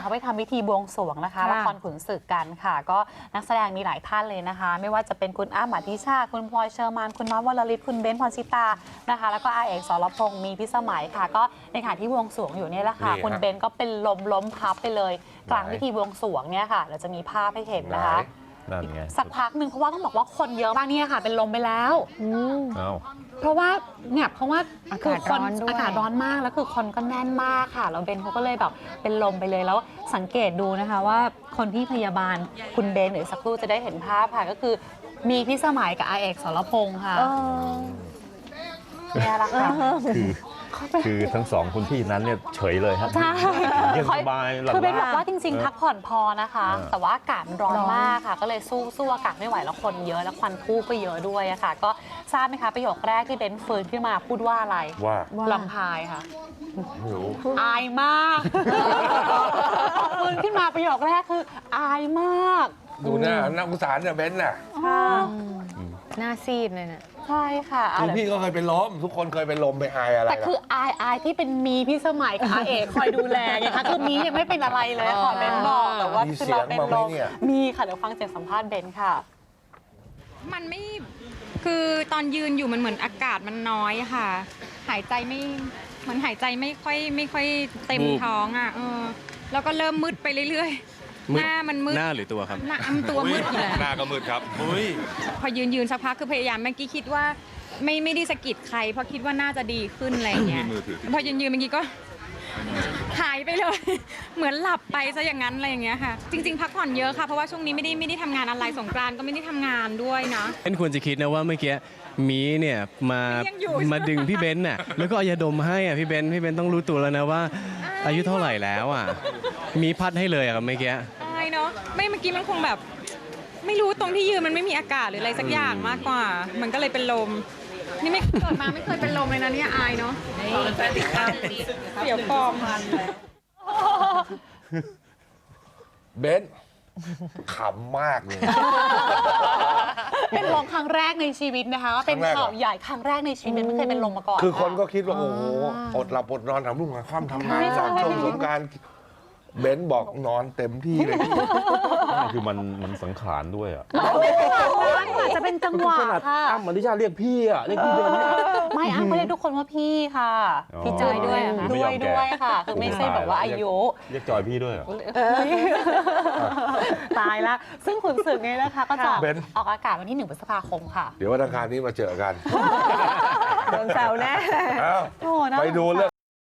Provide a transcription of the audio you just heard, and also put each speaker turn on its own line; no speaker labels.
เขาไปทำพิธีบวงสรวงนะคะละครขุนศึกกันค่ะก็นักแสดงมีหลายท่านเลยนะคะไม่ว่าจะเป็นคุณอ้ำอธิชาติคุณพลอยเชอร์มานคุณน้อยวรลิศคุณเบ้นพรชิตานะคะแล้วก็อาเอกสรพงษ์มีพิสมัยค่ะก็ในขณะที่บวงสรวงอยู่เนี่ยแหละค่ะคุณเบ้นก็เป็นล้มพับไปเลยกลางพิธีบวงสรวงเนี่ยค่ะเราจะมีภาพให้เห็นนะคะสักพักหนึ่งเพราะว่าต้องบอกว่าคนเยอะมากเนี่ยค่ะเป็นลมไปแล้วเพราะว่าเนี่ยเพราะว่าคือคนอากาศร้อนมากแล้วคือคนก็แน่นมากค่ะแล้วเบนเขาก็เลยแบบเป็นลมไปเลยแล้วสังเกตดูนะคะว่าคนที่พยาบาลคุณเบนหรือสักครู่จะได้เห็นภาพค่ะก็คือมีพี่สมัยกับอาเอกสรพงษ์ค่ะเนี่ยละค่ะ
คือทั้งสองคุณพี่นั้นเนี่ยเฉยเลยครับ
ใช่
ยังสบายหลับ
คือเป็นบอกว่าจริงๆพักผ่อนพอนะคะแต่ว่าอากาศร้อนมากค่ะก็เลยสู้อากาศไม่ไหวแล้วคนเยอะแล้วควันทู่ก็เยอะด้วยอะค่ะก็ทราบไหมคะประโยคแรกที่เบนฟื้นขึ้นมาพูดว่าอะไร
ว่า
ลำพายค่ะ
ไม่รู้
อายมากฟื้นขึ้นมาประโยคแรกคืออายมาก
ดูหน้าสงสารเนี่ยเบนน่ะ
หน้าซีดเลยนะ
ใช่ค่ะ
คือพี่ก็เคยเป็นลมทุกคนเคยเป็นลมไปอายอะไร
แต่คืออายที่เป็นมีพี่สมัยกับอาเอกคอยดูแลไงคะคือมียังไม่เป็นอะไรเลยขอเบนบอกแต่ว่าคือเราเป็นลมมีค่ะเดี๋ยวฟังเสียงสัมภาษณ์เบนค่ะ
มันไม่คือตอนยืนอยู่มันเหมือนอากาศมันน้อยค่ะหายใจไม่เหมือนหายใจไม่ค่อยเต็มท้องอ่ะแล้วก็เริ่มมืดไปเรื่อยๆหน้ามันมืด
หน้าหรือตัวครับ
หน้าตัวมืดเลย
หน้าก็มืดครับ
พอยืนสักพักคือพยายามเมื่อกี้คิดว่าไม่ได้สะกิดใครเพราะคิดว่าน่าจะดีขึ้นอะไรเงี้ยพอยืนเมื่อกี้ก็หายไปเลยเหมือนหลับไปซะอย่างนั้นอะไรอย่างเงี้ยค่ะจริงๆพักผ่อนเยอะค่ะเพราะว่าช่วงนี้ไม่ได้ทำงานอะไรสงกรานต์ก็ไม่ได้ทำงานด้วยนะ
เป็นควรจะคิดนะว่าเมื่อกี้มีเนี่ยมาดึงพี่เบนซ์น่ะแล้วก็เอายาดมให้อ่ะพี่เบนซ์ต้องรู้ตัวแล้วนะว่าอายุเท่าไหร่แล้วอ่ะมีพัดให้เลยอ่ะเมื่อกี้
ใช่เนาะไม่เมื่อกี้มันคงแบบไม่รู้ตรงที่ยืนมันไม่มีอากาศหรืออะไรสักอย่างมากกว่ามันก็เลยเป็นลมนี่ไม่เกิดมาไม่เคยเป็นลมเลยนะเนี่ยอายเนาะเดี๋ยวฟอร์ม
เบนขำมากเลย
เป็นลมครั้งแรกในชีวิตนะคะว่าเป็นข่าวใหญ่ครั้งแรกในชีวิตไม่เคยเป็นลมมาก่อน
คือคนก็คิดว่าโอ้โหอดหลับอดนอนทำรุ่งค่ำทำงานจากช่วงสงกรานต์เบนบอกนอนเต็มที่เลย
คือมันสังขารด้วยอ่ะ
อาจจะเป็นจังหวะค่ะ
อ้ำอธิชาติเรียกพี่อ่ะเรียกพี่เบน
ไม่อ้ำไม่เรียกทุกคนว่าพี่ค่ะพี่จอยด้วยด้วยค่ะคือไม่ใช่แบบว่าอายุ
เรียกจอยพี่ด้วย
ตายละซึ่งขุนศึกเนี่ยนะคะก็จะออกอากาศวันที่1 พฤษภาคมค่ะ
เดี๋ยววันอังคารนี้มาเจอกัน
โดนแซวแน่
ไปดูเรื่อง